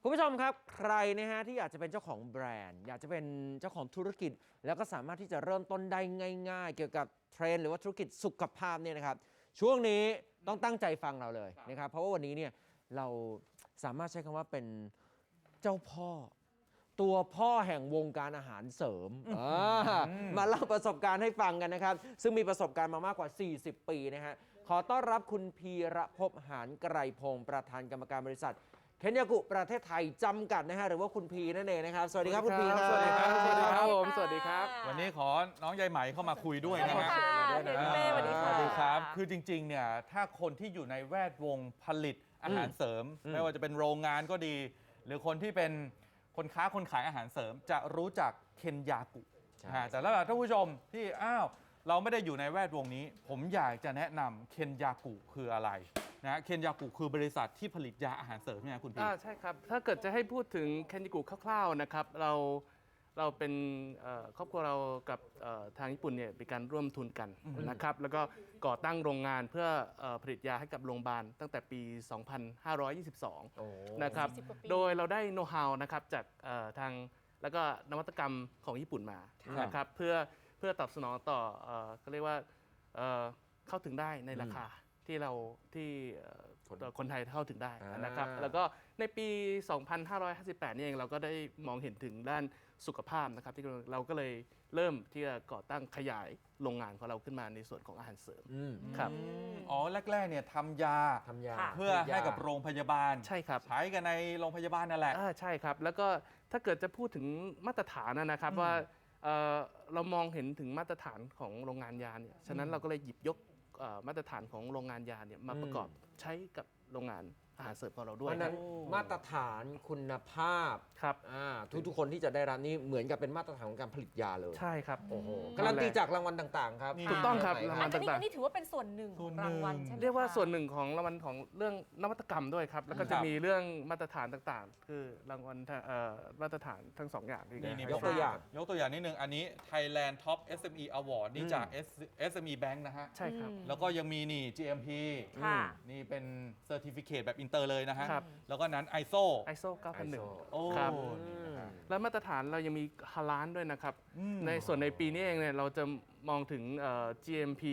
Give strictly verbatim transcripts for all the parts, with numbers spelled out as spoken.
คุณผู้ชมครับใครนะฮะที่อยากจะเป็นเจ้าของแบรนด์อยากจะเป็นเจ้าของธุรกิจแล้วก็สามารถที่จะเริ่มต้นได้ง่ายๆเกี่ยวกับเทรนด์หรือว่าธุรกิจสุขภาพเนี่ยนะครับช่วงนี้ต้องตั้งใจฟังเราเลยนะครับเพราะว่าวันนี้เนี่ยเราสามารถใช้คำว่าเป็นเจ้าพ่อตัวพ่อแห่งวงการอาหารเสริมมาเล่าประสบการณ์ให้ฟังกันนะครับซึ่งมีประสบการณ์มามากกว่าสี่สิบปีนะฮะขอต้อนรับคุณพีระภพหานไกรพงศ์ประธานกรรมการบริษัทเคนยากุประเทศไทยจำกัดนะฮะหรือว่าคุณพีนั่นเองนะครับสวัสดีครับคุณพีครับสวัสดีครับสวัสดีครับผมสวัสดีครับวันนี้ขอน้องยายไหมเข้ามาคุยด้วยนะฮะสวัสดีค่ะสสวัสดีค่ะวัสดีครับ คือจริงๆเนี่ยถ้าคนที่อยู่ในแวดวงผลิตอาหารเสริม ไม่ว่าจะเป็นโรงงานก็ดี หรือคนที่เป็นคนค้าคนขายอาหารเสริม จะรู้จักเคนยากุแต่แล้วท่านผู้ชมที่อ้าวเราไม่ได้อยู่ในแวดวงนี้ ผมอยากจะแนะนำเคนยากุคืออะไรนะเคนยากุคือบริษัทที่ผลิตยาอาหารเสริมใช่ไหมคุณพี่อ่าใช่ครับถ้าเกิดจะให้พูดถึงเคนยากุคร่าวๆนะครับเราเราเป็นครอบครัวเรากับทางญี่ปุ่นเนี่ยเป็นการร่วมทุนกันนะครับแล้วก็ก่อตั้งโรงงานเพื่อผลิตยาให้กับโรงพยาบาลตั้งแต่ปี สองพันห้าร้อยยี่สิบสองนะครับโดยเราได้โน้ตฮาวนะครับจากทางแล้วก็นวัตกรรมของญี่ปุ่นมานะครับเพื่อเพื่อตอบสนองต่อก็เรียกว่าเข้าถึงได้ในราคาที่เราที่คนไทยเข้าถึงได้นะครับแล้วก็ในปี สองพันห้าร้อยห้าสิบแปด นี่เองเราก็ได้มองเห็นถึงด้านสุขภาพนะครับที่เราก็เลยเริ่มที่จะก่อตั้งขยายโรงงานของเราขึ้นมาในส่วนของอาหารเสริมครับอ๋อแรกๆเนี่ยทำยาทำยาเพื่อให้กับโรงพยาบาลใช่ครับใช้กันในโรงพยาบาลนั่นแหละใช่ครับแล้วก็ถ้าเกิดจะพูดถึงมาตรฐานนะครับว่าเรามองเห็นถึงมาตรฐานของโรงงานยาเนี่ยฉะนั้นเราก็เลยหยิบยกมาตรฐานของโรงงานยาเนี่ยมาประกอบใช้กับโรงงานอาหารเสริมของเราด้วยเพราะนั้นมาตรฐานคุณภาพครับทุกทุกคนที่จะได้รับนี่เหมือนกับเป็นมาตรฐานของการผลิตยาเลยใช่ครับโอ้โหการันตีจากรางวัลต่างๆครับถูกต้องครับรางวัลต่างๆอันนี้ถือว่าเป็นส่วนหนึ่งของรางวัลใช่ไหมเรียกว่าส่วนหนึ่งของรางวัลของเรื่องนวัตกรรมด้วยครับแล้วก็จะมีเรื่องมาตรฐานต่างๆคือรางวัลมาตรฐานทั้งสองอย่างนี่ยกตัวอย่างยกตัวอย่างนิดนึงอันนี้ Thailand Top เอส เอ็ม อี Award นี่จาก เอส เอ็ม อี Bank นะฮะใช่ครับแล้วก็ยังมีนี่ จี เอ็ม พี นี่เป็น Certificate แบบอินเตอร์เลยนะฮะแล้วก็นั้น ไอ เอส โอไอ เอส โอ เก้าพันหนึ่งโอ้ครับแล้วมาตรฐานเรายังมีฮาลาลด้วยนะครับในส่วนในปีนี้เองเนี่ยเราจะมองถึง จี เอ็ม พี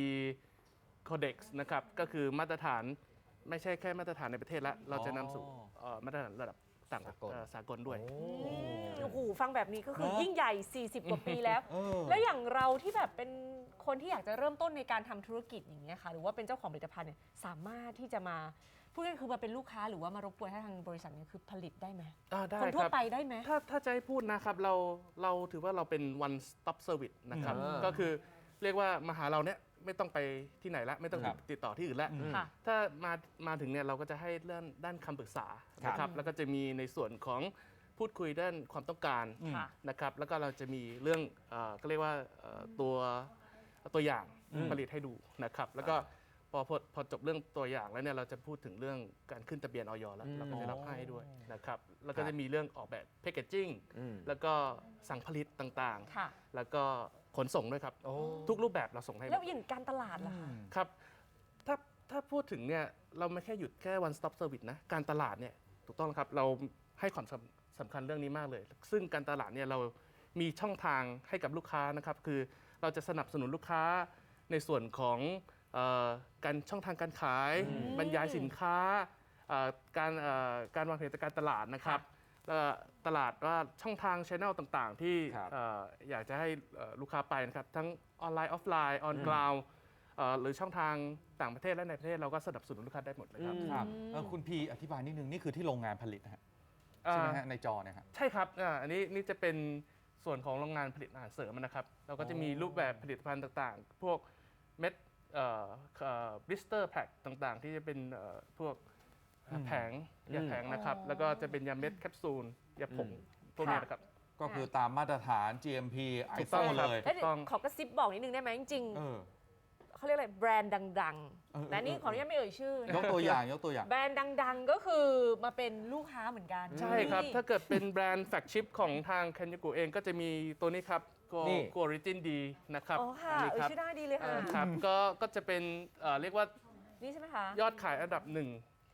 Codex นะครับก็คือมาตรฐานไม่ใช่แค่มาตรฐานในประเทศละเราจะนำสู่มาตรฐานระดับต่างสากลด้วยโอ้โหฟังแบบนี้ก็คือยิ่งใหญ่สี่สิบกว่าปีแล้วแล้วอย่างเราที่แบบเป็นคนที่อยากจะเริ่มต้นในการทำธุรกิจอย่างเงี้ยค่ะหรือว่าเป็นเจ้าของผลิตภัณฑ์เนี่ยสามารถที่จะมาพูดง่ายๆคือมาเป็นลูกค้าหรือว่ามารบกวนให้ทางบริษัทเนี่ยคือผลิตได้ไหมได้คนทั่วไปได้ไหมถ้าถ้าจะให้พูดนะครับเราเราถือว่าเราเป็น one stop service นะครับก็คือเรียกว่ามาหาเราเนี่ยไม่ต้องไปที่ไหนละไม่ต้องติดต่อที่อื่นแล้วถ้ามามาถึงเนี่ยเราก็จะให้เรื่องด้านคำปรึกษานะครับแล้วก็จะมีในส่วนของพูดคุยด้านความต้องการนะครับแล้วก็เราจะมีเรื่องก็เรียกว่าตัวตัวอย่างผลิตให้ดูนะครับแล้วก็พอพอจบเรื่องตัวอย่างแล้วเนี่ยเราจะพูดถึงเรื่องการขึ้นทะเบียน อย แล้วเราก็จะรับให้ด้วยนะครับแล้วก็จะมีเรื่องออกแบบแพคเกจจิ้งแล้วก็สั่งผลิตต่างๆแล้วก็ขนส่งด้วยครับทุกรูปแบบเราส่งให้แล้วอย่างการตลาดล่ะครับถ้าถ้าพูดถึงเนี่ยเราไม่แค่หยุดแค่ one stop service นะการตลาดเนี่ยถูกต้องครับเราให้ความสำคัญเรื่องนี้มากเลยซึ่งการตลาดเนี่ยเรามีช่องทางให้กับลูกค้านะครับคือเราจะสนับสนุนลูกค้าในส่วนของการช่องทางการขายบรรยายสินค้าการการวางแผนการตลาดนะครับตลาดว่าช่องทางช่องต่างๆที่อยากจะให้ลูกค้าไปนะครับทั้งออนไลน์ออฟไลน์ออนกราวด์หรือช่องทางต่างประเทศและในประเทศเราก็สนับสนุนลูกค้าได้หมดเลยครับคุณพีอธิบายนิดนึงนี่คือที่โรงงานผลิตนะฮะใช่ไหมฮะในจอเนี่ยครับใช่ครับอันนี้นี่จะเป็นส่วนของโรงงานผลิตอาหารเสริมนะครับเราก็จะมีรูปแบบผลิตภัณฑ์ต่างๆพวกเม็ดบลิสเตอร์แพ็คต่างๆที่จะเป็นพวกแผงยาแผงนะครับแล้วก็จะเป็นยาเม็ดแคปซูลยาผงพวกนี้นะครับก็คือตามมาตรฐาน จี เอ็ม พี ไอ เอส โอ เลยขอกระซิบบอกนิดนึงได้ไหมจริงๆเขาเรียกอะไรแบรนด์ดังๆแต่นี่ขออนุญาตไม่เอ่ยชื่อยกตัวอย่างยกตัวอย่างแบรนด์ดังๆก็คือมาเป็นลูกค้าเหมือนกันใช่ครับถ้าเกิดเป็นแบรนด์แฟลกชิพของทางเคนยากุเองก็จะมีตัวนี้ครับโกออริจินดีนะครับอ๋อค่ะชื่อได้ดีเลยค่ะครับก็ก็จะเป็นเรียกว่านี่ใช่ไหมคะยอดขายอันดับหนึ่ง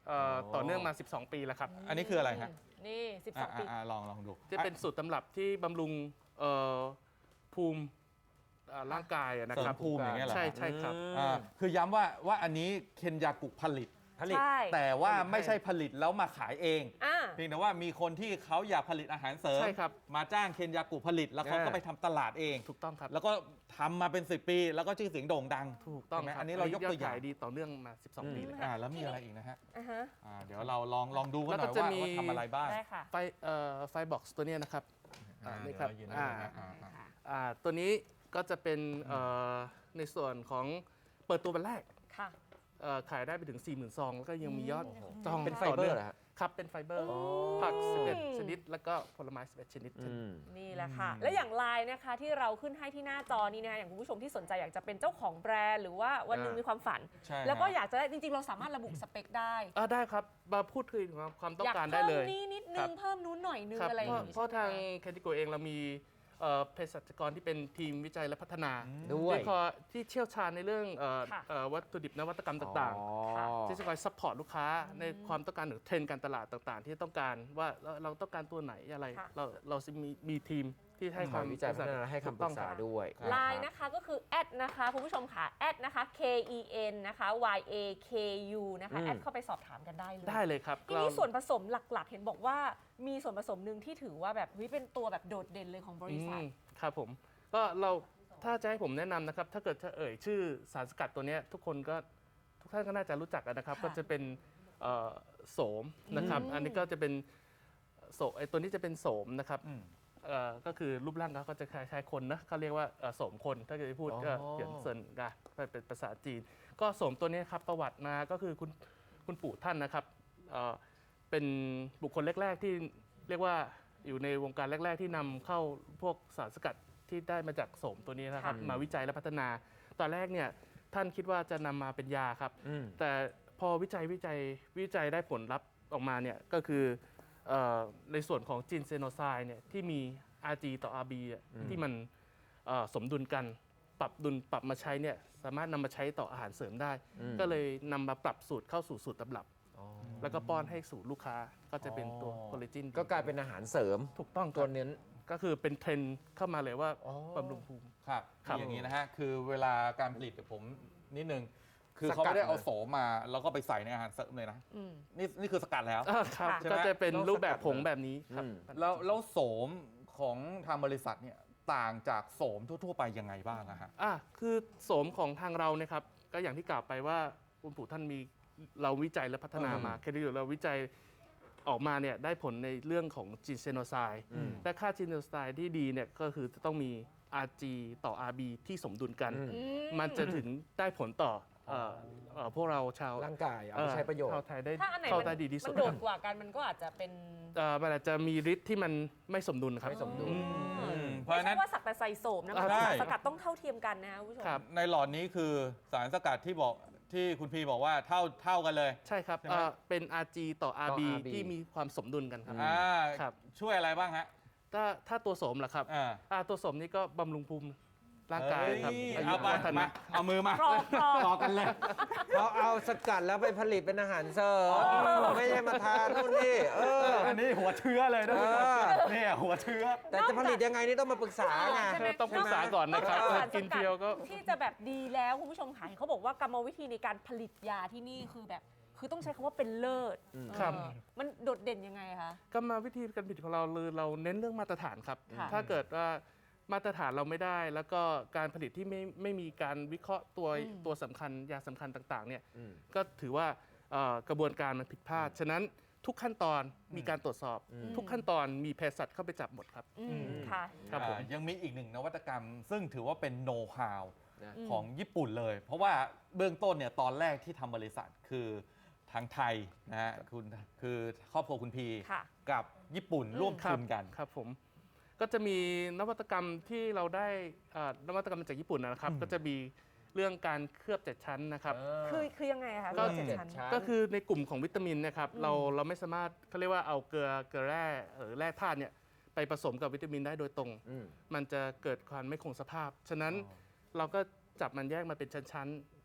เอ่อโอ้ต่อเนื่องมา สิบสอง ปีแล้วครับอันนี้คืออะไรฮะนี่ สิบสอ่ะอง ปีอ่ะอ่ะลองลองดูจะเป็นสูตรตำรับที่บำรุงเอ่อภูมิเอ่อร่างกายอะนะเสริครับมภูมิอย่างเงี้ยเหรอใช่ใช่ครับอ่าคือย้ำว่าว่าอันนี้เคนยากุผลิตผลิตใช่แต่ว่าไม่ใช่ผลิตแล้วมาขายเองอ่าเพียงแต่ว่ามีคนที่เขาอยากผลิตอาหารเสริมใช่ครับมาจ้างเคนยากุผลิต แล้วเขาก็อ่าไปทำตลาดเองถูกต้องครับแล้วก็ทำมาเป็นสิบปี แล้วก็ชื่อเสียงโด่งดังถูกต้องเห็นไหมครับอันนี้เรายกตัวอย่างขดีต่อเนื่องมา สิบสอง ปีเลยครับอ่าแล้วมีอะไรอีกนะฮะอ่าฮะอ่าเดี๋ยวเราลองลองดูกันหน่อยแล้วก็จะว่ามีว่าทำอะไรบ้างได้ค่ะไฟเอ่อไฟบ็อกซ์ตัวเนี้ยนะครับ อ่านี่ครับเดี๋ยวเายืนอ่าให้ดูนะอ่าอ่าอ่าตัวนี้ก็จะเป็นเอ่อในส่วนของเปิดตัววันแรกค่ะเอ่อขายได้ไปถึง สี่หมื่น ซอง แล้วก็ยังมียอดจองเป็นไฟต่อเบอนื่งร์เหรอฮะครับเป็นไฟเบอร์โอ้ผัก สิบเอ็ด ชนิด แล้วก็ผลไม้ สิบเอ็ด ชนิดอืมนี่แหละค่ะ และอย่างไลน์นะคะที่เราขึ้นให้ที่หน้าจอนี้นะคะอย่างคุณผู้ชมที่สนใจอยากจะเป็นเจ้าของแบรนด์หรือว่าวันหนึงอ่ามีมีความฝันใช่แล้วก็ฮะอยากจะได้จริงๆ เราสามารถระบุสเปคได้อ่าได้ครับ มาพูดคุยถึงความต้องอยากการได้เพิ่มเลยนี่นิดนึครังบเพิ่มนู้นหน่อยนึงครับอะไรอเพย่าราะงนี้เพราะใช่ไหมทางคะแคติโกเองเรามีเอ่อเภสัชกรที่เป็นทีมวิจัยและพัฒนาด้วยที่คอยที่เชี่ยวชาญในเรื่องเอ่อค่ะเอ่อวัตถุดิบนวัตกรรมต่างอ๋ๆอที่จะคอยซัพพอร์ตลูกค้าในความต้องการหรือเทรนด์การตลาดต่างๆ ที่ต้องการว่าเราเราต้องการตัวไหนอะไรค่ะเราเราจะมีมีทีมที่ให้ความวิจัยพัฒนาให้คำปรึกษาด้วยไลน์นะคะก็คือแอดนะคะคุณผู้ชมค่ะแอดนะคะ K E N นะคะ Y A K U นะคะอืมแอดเข้าไปสอบถามกันได้เลยได้เลยครับทีนี้ส่วนผสมหลักๆ เห็นบอกว่ามีส่วนผสมหนึ่งที่ถือว่าแบบเฮ้ยเป็นตัวแบบโดดเด่นเลยของบริษัทอืมครับผมก็เราถ้าจะให้ผมแนะนำนะครับ ถ้าเกิดจะเอ่ยชื่อสารสกัดตัวเนี้ยทุกคนก็ทุกท่านก็น่าจะรู้จักกันนะครับค่ะก็จะเป็นเอ่อโสมนะครับอืมอันนี้ก็จะเป็นโสไอตัวนี้จะเป็นโสมนะครับอืมเอ่อก็คือรูปร่างเขาก็จะคล้ายๆคนนะเขาเรียกว่าเอ่อโสมคนถ้าเกิดจะพูดก็อ๋อเขียนเซินกันเป็นภาษาจีน ก็โสมตัวนี้ครับประวัติมาก็คือคุณคุณปู่ท่านนะครับเอ่อเป็นบุคคลแรก ๆ ที่เรียกว่าอยู่ในวงการแรก ๆ ที่นำเข้าพวกสารสกัดที่ได้มาจากโสมตัวนี้นะครับค่ะมาวิจัยและพัฒนา ตอนแรกเนี่ยท่านคิดว่าจะนำมาเป็นยาครับอืมแต่พอวิจัยวิจัยวิจัยได้ผลลัพธ์ออกมาเนี่ยก็คือเอ่อในส่วนของจีนเซโนไซด์เนี่ยที่มี อาร์ จี ต่อ อาร์ บี อ่ะอืมที่มันเอ่อสมดุลกัน ปรับดุลปรับมาใช้เนี่ยสามารถนำมาใช้ต่ออาหารเสริมได้อืมก็เลยนำมาปรับสูตรเข้าสู่สูตรตำรับอ๋อแล้วก็ป้อนให้สู่ลูกค้าก็จะเป็นตัวอ๋อโคเลจินก็กลายเป็นอาหารเสริมถูกต้องคตัรัวบเน้นก็คือเป็นเทรนด์เข้ามาเลยว่าอ๋อบำรุงภูมิครับครับอย่างนี้นะฮะ คือเวลาการผลิตกับผมนิดนึง คือสกัดเขาไม่ได้เอาเลยโสมมา แล้วก็ไปใส่ในอาหารเสริมเลยนะอืมนี่นี่คือสกัดแล้วอ่าครับค่ะใช่ไหมก็จะเป็นต้องรูปแบบสกัดผงแบบนี้ครับอืมแล้วแล้วโสมของทางบริษัทเนี่ยต่างจากโสมทั่ว ๆ ไปยังไงบ้างอะฮะอ่ะคือโสมของทางเราเนี่ยครับก็อย่างที่กล่าวไปว่าคุณปู่ท่านมีเราวิจัยและพัฒนามาอืมแค่ที่เราวิจัยออกมาเนี่ยได้ผลในเรื่องของจีนเซโนไซด์อืมและค่าจีนเซโนไซด์ที่ดีเนี่ยก็คือจะต้องมี อาร์ จี ต่อ อาร์ บี ที่สมดุลกันอืมอืมันจะถึงได้ผลต่อเอ่อเอ่อพวกเราชาวร่างกายเอาไปใช้ประโยชน์ชาวไทยได้ถ้าอันไหนเข้ามันได้ดีที่สุมัดนโดดกว่ากันมันก็อาจจะเป็นเอ่อมันอาจจะมีฤทธิ์ที่มันไม่สมดุลครับไม่สมดุลอืมอืมเพราะไม่ฉะนั้ใช่นว่าสักแต่ใส่โสมนะอ่ามันได้สารสกัดต้องเท่าเทียมกันนะคุณผู้ชมครับในหลอดนี้คือสารสกัดที่บอกที่คุณพีบอกว่าเท่าเท่ากันเลยใช่ครับใช่ไหมเอ่อเป็น อาร์ จี ต่อ อาร์ บีต่อ อาร์ บีที่มีความสมดุลกันครับอ่าครับช่วยอะไรบ้างฮะถ้าถ้าตัวโสมล่ะครับอ่าอ่าตัวโสมนี่ก็บำรุงภูมิร่างกายครับเอ้ยอายุเอาไปวัฒมานะเอามือมากรอบกรอบต่อกันเลยเขาเอาสกัดแล้วไปผลิตเป็นอาหารเสริมไม่ใช่มาทานนู่นนี่เอออันนี้หัวเชื้อเลยนะเออเนี่ยหัวเชื้อแต่จะผลิตยังไงนี่ต้องมาปรึกษาไงใช่ไหมต้องปรึกษาก่อนนะครับอกจากสารสกินกัดเทียวก็ที่จะแบบดีแล้วคุณผู้ชมค่ะเขาบอกว่ากรรมวิธีในการผลิตยาที่นี่คือแบบ คือต้องใช้คำว่าเป็นเลิศอืมครับเออมันโดดเด่นยังไงคะกรรมวิธีการผลิตของเราเลยเราเน้นเรื่องมาตรฐานครับค่ะถ้าเกิดว่ามาตรฐานเราไม่ได้ แล้วก็การผลิตที่ไม่ไม่มีการวิเคราะห์ตัวตัวสำคัญยาสำคัญต่างๆเนี่ยอืมก็ถือว่าเอ่อกระบวนการมันผิดพลาด ฉะนั้นทุกขั้นตอนมีการตรวจสอบอืมทุกขั้นตอนมีเภสัชเข้าไปจับหมดครับอืมค่ะครับผมอ่ายังมีอีกหนึ่งนวัตกรรม ซึ่งถือว่าเป็นโน้ตฮาวนะอืมของญี่ปุ่นเลย เพราะว่าเบื้องต้นเนี่ยตอนแรกที่ทำบริษัทคือทางไทยนะฮะคุณคือครอบครัวคุณพีค่ะกับญี่ปุ่นอืมร่วมทุนกันครับผมก็จะมีนวัตกรรมที่เราได้เอ่อนวัตกรรมมาจากญี่ปุ่นนะครับอืมก็จะมีเรื่องการเคลือบเจ็ดชั้นนะครับคือคือยังไงอะคะก็เจ็ดเจ็ดชั้นชั้นก็คือในกลุ่มของวิตามินนะครับอืมเราเราไม่สามารถเขาเรียกว่าเอาเกลือเกลือแร่หรือแร่ธาตุเนี่ยไปผสมกับวิตามินได้โดยตรงอืมมันจะเกิดความไม่คงสภาพ ฉะนั้นอ๋อเราก็จับมันแยกมาเป็นชั้นๆ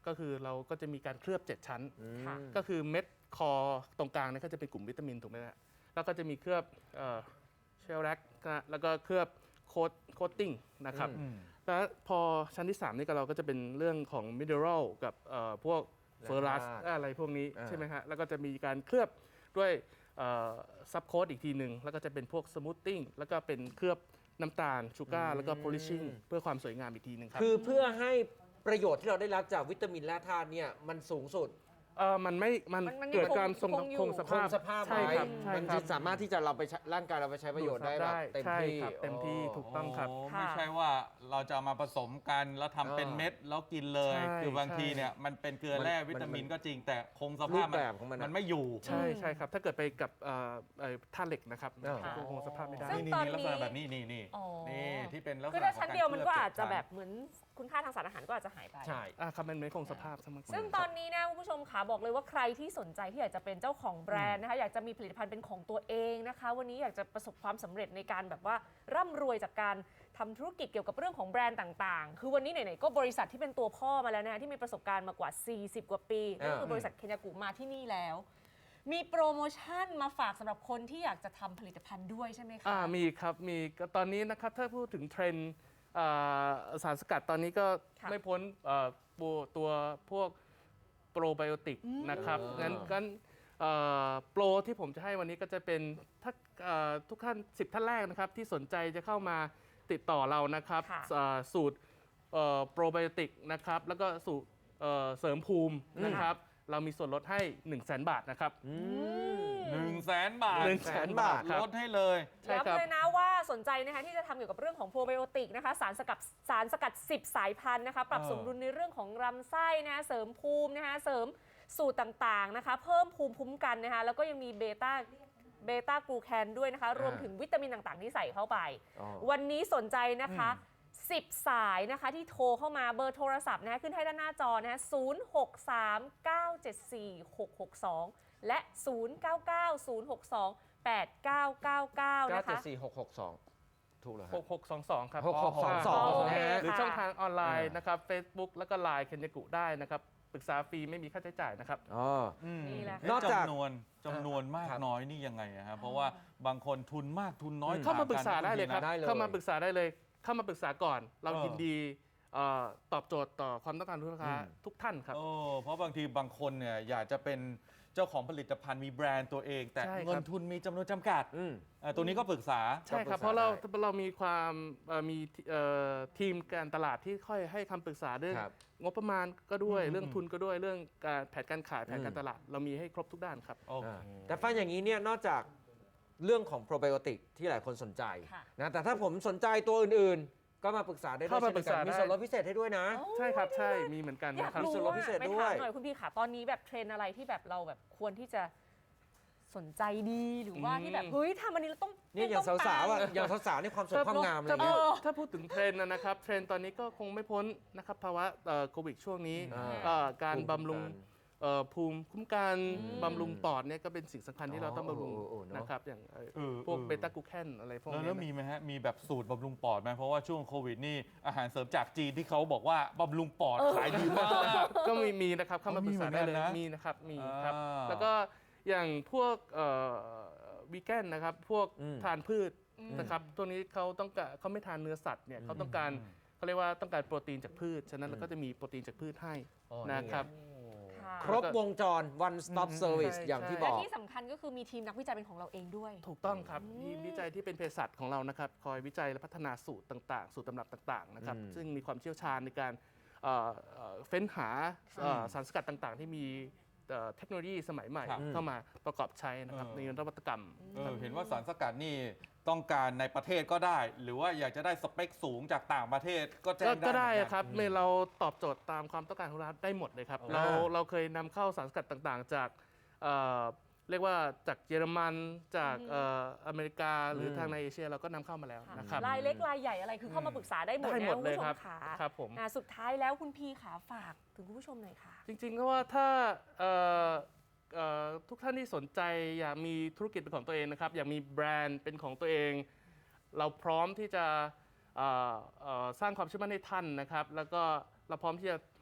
ก็คือเราก็จะมีการเคลือบเจ็ดชั้นค่ะก็คือเม็ดคอตรงกลางเนี่ยก็จะเป็นกลุ่มวิตามินถูกไหมฮะแล้วก็จะมีเคลือบเชลแลกแล้วก็เคลือบโคตโคตติ้งนะครับอืมแล้วพอชั้นที่ สาม นี่ก็เราก็จะเป็นเรื่องของมิเนอรัลกับเอ่อพวกเฟอร์รัสอะไรพวกนี้อ่าใช่ไหมฮะแล้วก็จะมีการเคลือบด้วยซับโคตอีกทีหนึ่งแล้วก็จะเป็นพวกสมูทติ้งแล้วก็เป็นเคลือบน้ำตาลชูการ์แล้วก็โพลิชชิ่งเพื่อความสวยงามอีกทีหนึ่งครับคือเพื่อให้ประโยชน์ที่เราได้รับจากวิตามินและธาตุเนี่ยมันสูงสุดเออมันไม่ มันมันมันยังเกิดการทรงคงอยู่คงสคภาง พสภาพใช่ไว้ครับใช่มันครัจะบสามารถที่จะเราไปใช้ร่างกายเราไปใช้ประโยชน์ได้แบบเต็มใช่ที่ครับเต็มที่โอ้ถูกต้องครับโอ้ค่ะไม่ใช่ว่าเราจะเอามาผสมกันแล้วทำเป็นอ่าเม็ดแล้วกินเลยใช่คือบางทีใช่เนี่ยมันเป็นเกลือแร่มันวิตามินมันก็จริง แต่คงสรูภาพปแบบของมันอะมันไม่อยู่ใช่ใช่ครับ ถ้าเกิดไปกับเอ่อเอ่อธาตุเหล็กนะครับอ่าคงสภาพไม่ได้ซึ่งนี่ตอนนี่ลักษณะนี้แบบนี้นี่นี่อ๋อนี่ที่เป็นลักษณะคือถ้าชั้นเดียวมันก็ขงรอาจจะเคลืแบเจ็ดบเหมือนคุณค่าทางสารอาหารก็อาจจะหายไปใช่อ่าครับมันไม่คงสภาพซะมากกว่าซึ่งตอนนี้นะคุณผู้ชมขาบอกเลยว่าใครที่สนใจที่อยากจะเป็นเจ้าของแบรนด์นะคะอยากจะมีผลิตภัณฑ์เป็นของตัวเองนะคะ วันนี้อยากจะประสบความสำเร็จในการแบบว่าร่ำรวยจากการทำธุรกิจเกี่ยวกับเรื่องของแบรนด์ต่างๆ คือวันนี้ไหนๆก็บริษัทที่เป็นตัวพ่อมาแล้วนะคะที่มีประสบการณ์มากว่า สี่สิบ กว่าปีนั่นคือบริษัทเคนยากุมาที่นี่แล้ว มีโปรโมชั่นมาฝากสำหรับคนที่อยากจะทำผลิตภัณฑ์ด้วยใช่ไหมคะอ่ามีครับ มีก็ตอนนี้นะครับ ถ้าพูดถึงเทรนด์อ่าสารสกัดตอนนี้ก็ค่ะไม่พ้นเอ่อตัวตัวพวกโปรไบโอติกนะครับอืมงั้นงั้นเอ่อโปรที่ผมจะให้วันนี้ก็จะเป็นถ้าเอ่อทุกท่านสิบท่านแรกนะครับ ที่สนใจจะเข้ามาติดต่อเรานะครับค่ะอ่าสูตรโปรไบโอติกนะครับ แล้วก็สูตรเอ่อเสริมภูมินะครับ เรามีส่วนลดให้ หนึ่งแสน บาทนะครับหนึ่งแสนบาทหนึ่งแสนบาทครับลดให้เลยใช่ครับย้ำเลยนะว่าสนใจนะคะที่จะทำเกี่ยวกับเรื่องของโปรไบโอติกนะคะสารสกัดสารสกัด สิบ สายพันธุ์นะคะปรับเออสมดุลในเรื่องของลำไส้นะคะเสริมภูมินะคะเสริมสูตรต่างๆนะคะเพิ่มภูมิคุ้มกันนะคะแล้วก็ยังมีเบต้าเบต้ากลูแคนด้วยนะคะรวมถึงวิตามินต่างๆที่ใส่เข้าไปอ๋อวันนี้สนใจนะคะ สิบ สายนะคะที่โทรเข้ามาเบอร์โทรศัพท์นะคะขึ้นให้ด้านหน้าจอนะคะศูนย์ หก สาม เก้า เจ็ด สี่ หก หก สอง และ ศูนย์ เก้า เก้า ศูนย์ หก สอง แปด เก้า เก้า เก้าเก้านะเจ็ดคะสี่หกหกสองถูกเหรอหฮะกหกสองสองครับหกหกสองสองโอเคนะฮะหรือค่ะช่องทางออนไลน์อ่านนะครับ Facebook แล้วก็ ไลน์ เคนยากุได้นะครับ ปรึกษาฟรีไม่มีค่าใช้จ่ายนะครับอ๋ออืมนี่แหละเอ๊นอกจากจำนวนจำนวนมากครับน้อยนี่ยังไงอะครับเพราะว่าบางคนทุนมากทุนน้อยอืมเข้ามาปรึกษาได้เลยครับได้เลยเข้ามาปรึกษาได้เลย เข้ามาปรึกษาก่อน เราเออยินดีเอ่อตอบโจทย์ต่อความต้องการของลูกค้าอืมทุกท่านครับโอ้เพราะบางทีบางคนเนี่ยอยากจะเป็นเจ้าของผลิตภัณฑ์มีแบรนด์ตัวเอง แต่ใช่ครับเงินทุนมีจำนวนจำกัดอืมอ่าตัวนี้ก็ปรึกษาใช่ครับก็ปรึกษาเพราะเราได้เรามีความเอ่อมีเอ่อทีมการตลาดที่ค่อยให้คำปรึกษาเรื่องครับงบประมาณก็ด้วยอืมเรื่องทุนก็ด้วยเรื่องการแผนการขายแผนการอืมตลาด เรามีให้ครบทุกด้านครับโอเคอ่าแต่ฟังอย่างนี้เนี่ยนอกจากเรื่องของโปรไบโอติกที่หลายคนสนใจค่ะนะแต่ถ้าผมสนใจตัวอื่นๆ ก็มาปรึกษาได้ด้วยเข้ามาเช่นเดียวกันปรึกษามีได้ส่วนลดพิเศษให้ด้วยนะใช่ครับใช่มีเหมือนกันอยากนะครับรู้ส่วนลดพิเศษไปด้วยถามหน่อยคุณพี่ค่ะตอนนี้แบบเทรนด์อะไรที่แบบเราแบบควรที่จะสนใจดีหรือว่าอืมที่แบบเฮ้ยทำอันนี้เราต้องเนี่ยอย่างต้องสาวๆอ่ะปังอย่างสาวๆนี่ความสวยความงามอะไรถ้าเงี้ยพูดถ้าพูดถึงเทรนด์นะครับ เทรนด์ตอนนี้ก็คงไม่พ้นนะครับภาวะเอ่อโควิดช่วงนี้อ่าเอ่อการภูมิคุ้มบำรุงกันเอ่อภูมิคุ้มกันอืมบำรุงปอดเนี่ยก็เป็นสิ่งสำคัญที่เราต้องบำรุงโอ้โอ้โอ้เนอะนะครับอย่างเอ่อเออพวกเออเบต้ากลูแคนอะไรพวกแล้วนี้แล้วนะมีไหมฮะ มีแบบสูตรบำรุงปอดไหมเพราะว่าช่วงโควิดนี่อาหารเสริมจากจีนที่เขาบอกว่าบำรุงปอดขายดีมากก็มีมีนะครับเข้ามาปรึกษาได้เลยอ๋อมีเหมือนกันนะมีนะครับมีครับอ่าแล้วก็อย่างพวกวีแกนนะครับพวกอืมทานพืชอืมนะครับตัวนี้เขาต้องการเขาไม่ทานเนื้อสัตว์เนี่ยเขาต้องการเขาเรียกว่าต้องการโปรตีนจากพืชฉะนั้นเราก็จะมีโปรตีนจากพืชให้อ๋อนี่ไงนะครับค่ะครบวงจร one stop อืม service ใช่อย่างที่บและอกที่สำคัญก็คือมีทีมนักวิจัยเป็นของเราเองด้วยถูกต้องครับทีมวิจัยที่เป็นเภสัชของเรานะครับคอยวิจัยและพัฒนาสูตรต่างๆ สูตรตำรับต่างๆนะครับอืมซึ่งมีความเชี่ยวชาญในการเอ่อเอ่อเฟ้นหาเอ่อสารสกัดต่างๆ ที่มีเอ่อเทคโนโลยีสมัยใหม่ครับเข้ามาประกอบใช้นะครับเออในนวัตกรรมเออเห็นว่าสารสกัดนี่ต้องการในประเทศก็ได้ หรือว่าอยากจะได้สเปคสูงจากต่างประเทศก็แจ้ก็งได้ก็ได้เหมือนกันครับเมื่อเราตอบโจทย์ตามความต้องการของเราได้หมดเลยครับอ่าเราเราเคยนำเข้าสารสกัดต่างๆ จากเอ่อเรียกว่าจากเยอรมันจากอืมเอ่ออเมริกาหรืออมทางในเอเชียเราก็นำเข้ามาแล้วนะครับรายเล็กรายใหญ่อะไรคือเข้ามาปรึกษาได้หมดได้นะหมดคุณเลยผู้ชครัมบขาครับผมอ่าสุดท้ายแล้วคุณพี่ขาฝากถึงคุณผู้ชมหน่อยค่ะจริงๆก็ว่าถ้าเอ่อเอ่อทุกท่านที่สนใจอยากมีธุรกิจเป็นของตัวเองนะครับอยากมีแบรนด์เป็นของตัวเอง เราพร้อมที่จะเอ่อเอ่อสร้างความเชื่อมั่นให้ท่านนะครับ แล้วก็เราพร้อมที่จะ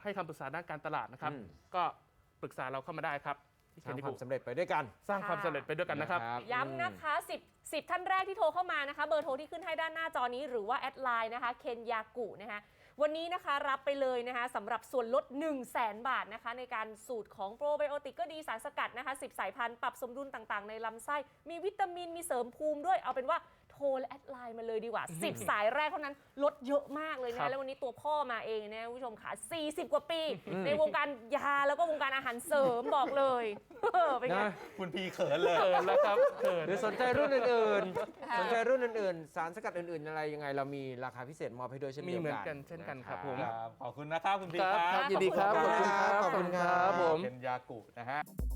ให้คำปรึกษาด้านการตลาดนะครับอืมก็ปรึกษาเราเข้ามาได้ครับที่สร้าง Kendiku ความสำเร็จไปด้วยกันสร้างความสำเร็จไปด้วยกันนะครับย้ำนะคะ10 10 ท่านแรกที่โทรเข้ามานะคะ เบอร์โทรที่ขึ้นให้ด้านหน้าจอนี้หรือว่าแอดไลน์นะคะเคนยากุนะคะวันนี้นะคะรับไปเลยนะคะสำหรับส่วนลด 1 0 0 0 0แสน บาทนะคะในการสูตรของโปรไบโอติกก็ดีสารสกัดนะคะสิบสายพันธุ์ปรับสมดุลต่างๆในลำไส้มีวิตามินมีเสริมภูมิด้วยเอาเป็นว่าโทรและแอดไลน์มาเลยดีกว่า สิบ สายแรกเท่านั้นลดเยอะมากเลยครันะบแล้ววันนี้ตัวพ่อมาเองนะคุณผู้ชมค่ะสี่สิบ กว่าปี ในวงการยาแล้วก็วงการอาหารเสริมบอกเลยเออเป็นไงนะคุณพีเขินเลยเขินแล้วครับเขินหรือสนใจรุ่นอื่นค่ะๆ สนใจรุ่นอื่นๆ สารสกัดอื่นๆ อะไรยังไง เรามีราคาพิเศษมอบให้ด้วยเช่นมีเดียวกันเหมือนกันเช่นกันครับผมครับขอบคุณนะครับคุณพีครับคครัรับ บยินดีครับขอบคุณครับขอบคุณครับผมเป็นยากุนะฮะ